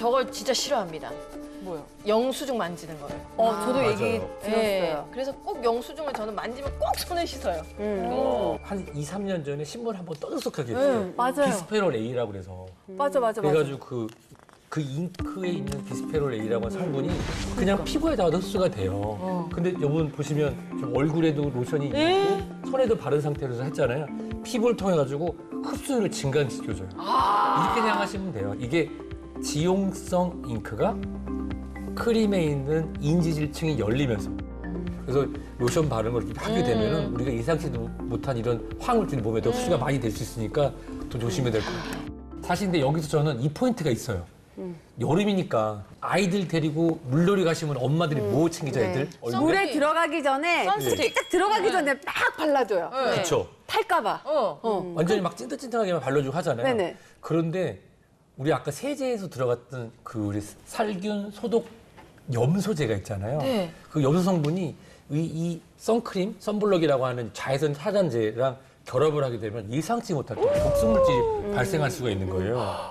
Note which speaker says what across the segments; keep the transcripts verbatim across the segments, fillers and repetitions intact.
Speaker 1: 저걸 진짜 싫어합니다.
Speaker 2: 뭐요?
Speaker 1: 영수증 만지는 거를.
Speaker 2: 어, 저도
Speaker 3: 맞아요.
Speaker 2: 얘기
Speaker 1: 네.
Speaker 2: 들었어요.
Speaker 1: 그래서 꼭 영수증을 저는 만지면 꼭 손을 씻어요.
Speaker 2: 음.
Speaker 3: 어, 한 이, 삼 년 전에 신문 한번 떠들썩하게 했어요.
Speaker 2: 음, 맞아요.
Speaker 3: 비스페롤 A라고 그래서.
Speaker 2: 맞아, 맞아, 맞아.
Speaker 3: 그래가지고 그, 그 잉크에 있는 비스페롤 A라고 하는 성분이 그냥 피부에다가 흡수가 돼요. 근데 여러분 보시면 좀 얼굴에도 로션이 있고 손에도 바른 상태로 했잖아요. 피부를 통해가지고 흡수율을 증가시켜줘요. 이렇게 생각하시면 돼요. 이게 지용성 잉크가 크림에 있는 인지질층이 열리면서 그래서 로션 바르는 걸 이렇게 하게 되면은 우리가 예상치도 못한 이런 화학물질이 몸에 더 흡수가 많이 될 수 있으니까 더 조심해야 될 것 같아요. 사실 근데 여기서 저는 이 포인트가 있어요. 여름이니까 아이들 데리고 물놀이 가시면 엄마들이 뭐 챙기죠, 애들? 얼굴에?
Speaker 2: 물에 들어가기 전에
Speaker 1: 선스틱.
Speaker 2: 딱 들어가기 전에 막 발라줘요.
Speaker 1: 네.
Speaker 3: 그렇죠.
Speaker 2: 탈까봐.
Speaker 1: 어.
Speaker 2: 어.
Speaker 3: 완전히 막 찐득찐득하게만 발라주고 하잖아요.
Speaker 2: 네네.
Speaker 3: 그런데 우리 아까 세제에서 들어갔던 그 우리 살균 소독 염소제가 있잖아요.
Speaker 1: 네.
Speaker 3: 그 염소 성분이 이, 이 선크림, 선블럭이라고 하는 자외선 차단제랑 결합을 하게 되면 예상치 못할 또 독성물질이 발생할 수가 있는 거예요.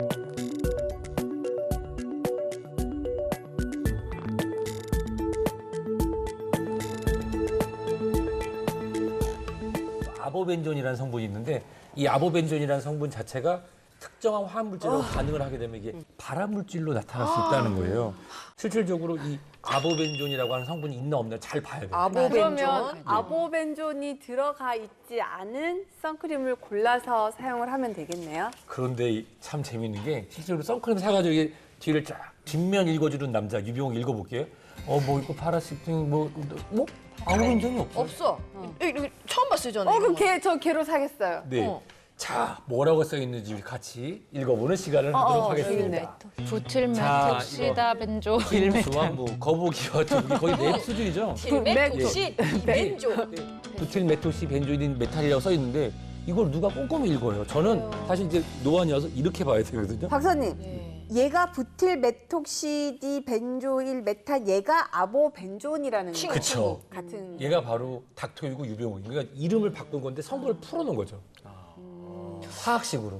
Speaker 3: 아보벤존이라는 성분이 있는데 이 아보벤존이라는 성분 자체가 특정한 화학물질하고 반응을 하게 되면 이게 발암물질로 나타날 수 있다는 거예요. 실질적으로 이 아보벤존이라고 하는 성분이 있나 없나 잘 봐야 돼요.
Speaker 2: 아보벤존. 그러면
Speaker 1: 네.
Speaker 2: 아보벤존이 들어가 있지 않은 선크림을 골라서 사용을 하면 되겠네요.
Speaker 3: 그런데 이- 참 재밌는 게 실제로 선크림 사가지고 이게 뒤를 쫙 뒷면 읽어주는 남자 유병욱 읽어볼게요. 어 뭐 이거 파라시팅 뭐 뭐? 아보벤존이 없어.
Speaker 1: 없어. 여기, 여기 처음 봤어요, 저는.
Speaker 2: 어,
Speaker 1: 이런
Speaker 2: 그럼
Speaker 1: 거.
Speaker 2: 걔, 저 걔로 사겠어요.
Speaker 3: 네.
Speaker 1: 어.
Speaker 3: 자 뭐라고 써 있는지 같이 읽어보는 시간을 하도록
Speaker 2: 어,
Speaker 3: 하겠습니다.
Speaker 4: 부틸메톡시다 벤조
Speaker 3: 수완부 거북이와 두기 거의 랩 수준이죠.
Speaker 1: 딜메톡시 벤조.
Speaker 3: 부틸 메토시 벤조일인 메탈이라고 써 있는데 이걸 누가 꼼꼼히 읽어요. 저는 사실 이제 노안이어서 이렇게 봐야 되거든요.
Speaker 2: 박사님,
Speaker 1: 네.
Speaker 2: 얘가 부틸 메톡시디 벤조일 메탄, 얘가 아보벤존이라는
Speaker 1: 친구,
Speaker 2: 거.
Speaker 3: 그쵸.
Speaker 2: 같은.
Speaker 3: 얘가 바로 닥터이고 유병욱. 그러니까 이름을 바꾼 건데 성분을 풀어놓은 거죠. 화학식으로.